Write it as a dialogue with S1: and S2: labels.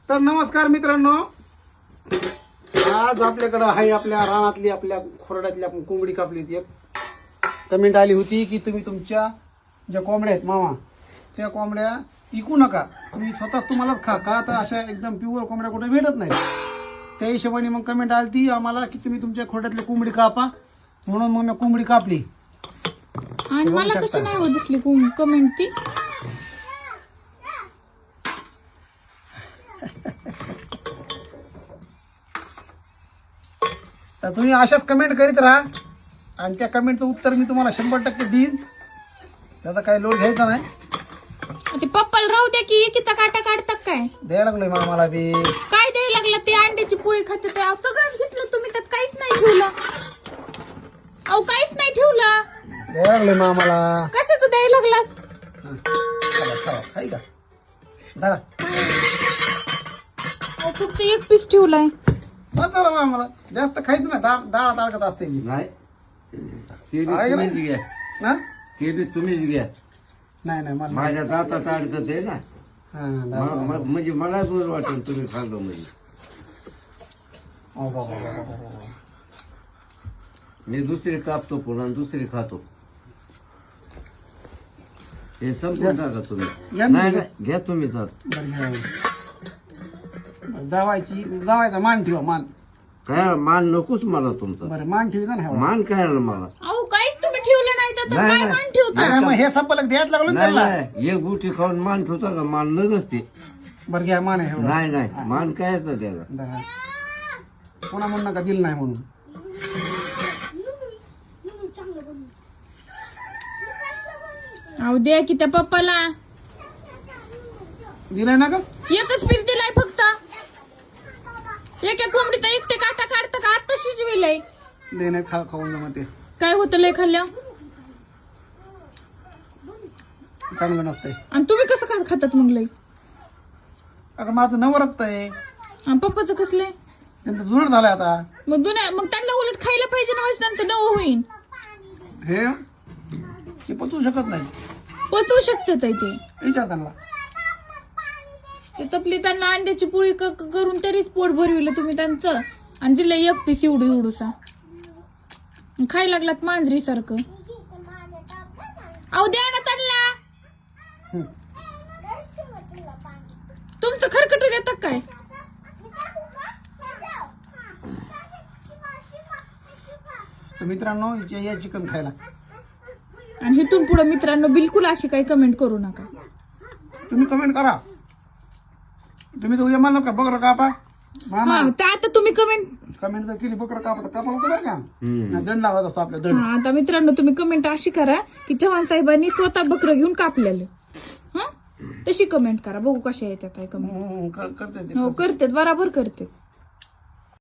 S1: तर नमस्कार मित्रांनो, आज आपल्याकडं आहे आपल्या रानातली आपल्या खोरड्यातली आपण कोंबडी कापली होती. एक कमेंट आली होती की तुम्ही तुमच्या ज्या कोंबड्या आहेत मामा त्या कोंबड्या विकू नका, तुम्ही स्वतःच तुम्हालाच खा का. तर अशा एकदम प्युअर कोंबड्या कुठे भेटत नाही. त्या हिशोबाने मग कमेंट आली ती आम्हाला की तुम्ही तुमच्या खोड्यातली कोंबडी कापा, म्हणून मग मी कोंबडी कापली.
S2: आणि मला कशी नाही होत दिसली कमेंट ती.
S1: तर तुम्ही अशाच कमेंट करीत राहा आणि त्या कमेंटचं उत्तर मी तुम्हाला 100% देईन. त्याचा काही लोड घ्यायचा नाही.
S2: ते पप्पाला राहू द्या की एकीचा काटा काढतात काय
S1: द्यायला लागलोय मामाला बी.
S2: काय द्यायला लागला. ते अंड्याची पोळी खाते ते सगळंच घेतलं तुम्ही, त्यात काहीच नाही ठेवलं. अहो काहीच नाही ठेवलं.
S1: द्यायला लागलोय मामाला.
S2: कशाचं द्यायला लागला.
S1: का धरा
S2: अहो फक्त एक पीस ठेवलाय.
S1: बस झालं मामाला, जास्त खायचं नाही. डाळ ताडकत असते ती.
S3: नाही ते बी
S1: आहे का
S3: तुम्हीच
S1: नाही?
S3: घ्या,
S1: हा?
S3: ते बी तुम्हीच घ्या.
S1: नाही नाही मला
S3: माझ्या दातात अडकत आहे ना.
S1: हा, डाळ.
S3: म्हणजे मला बरं वाटेल तुम्ही खाल्लं म्हणजे.
S1: हो, हो, हो, हो, हो, हो.
S3: मी दुसरी कापतो पुन्हा दुसरी खातो. हे संपून टाका तुम्ही.
S1: या
S3: नाही
S1: ना.
S3: नाही घ्या तुम्ही तर.
S1: बरं, घ्या. जावायचा मान ठेवा, मान.
S3: काय मान नकोच मला तुमचा.
S1: बरं मान ठेवता ना.
S3: मान काय आलं मला.
S2: अहो काहीच तुम्ही ठेवलं नाही तर
S3: नाही,
S2: काय
S3: नाही.
S2: मान ठेवता.
S1: नाही, मग हे संपलं द्यायच लागलो ना
S3: नाही
S1: त्याला.
S3: नाही एक गुटी खाऊन मान ठेवता का. मान नसते.
S1: बरं घ्या, मान आहे एवढं.
S3: नाही नाही मान कायच त्याला.
S1: धरा. पुन्हा म्हणू नका दिलं नाही म्हणून.
S2: अहो द्या की त्या पप्पाला.
S1: दिलंय ना का.
S2: एकच पीस दिलाय फक्त. एका कोंबडीचा एकटे काटा काढतं का. आता शिजविलंय.
S1: लय नाही खाऊन जमते.
S2: काय होतं लय खाल्ल्या.
S1: चांगलं नसतंय.
S2: आणि तुम्ही कसं खातात मग लय.
S1: अगं माझं नवं रक्त आहे.
S2: आणि पप्पाचं कसलंय.
S1: त्यांचं जुनं झालंय आता.
S2: मग त्यांना उलट खायला पाहिजे ना. त्यांचं नवं होईल.
S1: हे ते पचवू शकत नाही.
S2: पचवू शकतात ते.
S1: विचार त्यांना.
S2: ते तपली त्यांना अंड्याची पोळी करून तरीच पोट भरविलं तुम्ही त्यांचं. आणि दिलं एक पीस एवढूसा. खायला लागलात मांजरी सारखं. अहो द्या ना त्यांना. तुमचं खरकट देतात काय.
S1: तर मित्रांनो या चिकन खायला.
S2: आणि इथून पुढे मित्रांनो बिलकुल अशी काही कमेंट करू नका.
S1: तुम्ही कमेंट करा. तुम्ही तर उद्या म्हणलं का बकरं कापा मामा.
S2: हा तर आता तुम्ही
S1: कमेंट जर केली बकरं कापा तर कापा होतं बरं का. नाही, दंड लागत असतो आपल्या दंड.
S2: आता मित्रांनो तुम्ही कमेंट अशी करा की चव्हाण साहेबांनी स्वतः बकरं घेऊन कापलेलं. हा तशी कमेंट करा. बघू कशा येतात काय कमेंट.
S1: करते ते.
S2: हो करतात बराबर करते.